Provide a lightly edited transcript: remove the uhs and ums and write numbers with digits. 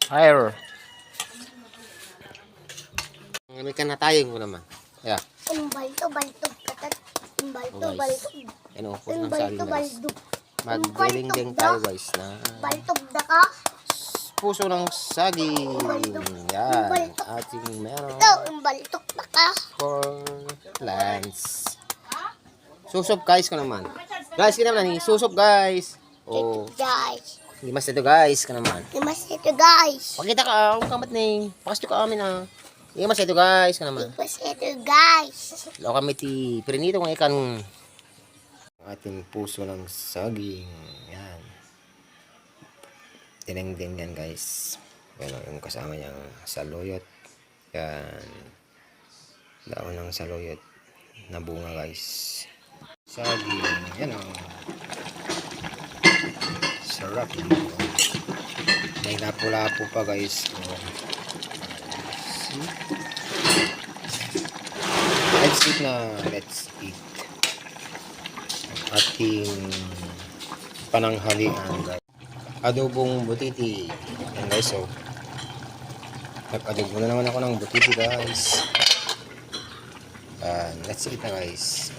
Higher. May ka na tayo ko naman. Yeah. Balto katat. Oh, guys. Ano, po ng Balto saging guys. baldo. Magdiling-ding tayo guys na Baltog da ka. puso ng saging. Yan. Ating meron Baltok da ka. for plants. Susop guys ko naman. Guys, kita naman ni susop guys. Oh, Guys. limas ito guys ka naman. Limas ito guys. Pakita ka, ang kamat ni. Pakas ka amin ah. Limas ito guys ka naman. Limas ito guys. Law kami ti prinito ng ikan ating puso ng saging. Yan. Tineng-ting yan guys. Yan yung kasama niyang saluyot. Yan. Daon ng saluyot na bunga guys. Saging. Yan ang sarap. May napula-po pa guys. Oh. Let's eat na. Let's eat. Ating pananghalian guys. Adobong butiti. Yan guys, so nag-adobo na naman ako ng butiti guys. Let's eat na guys.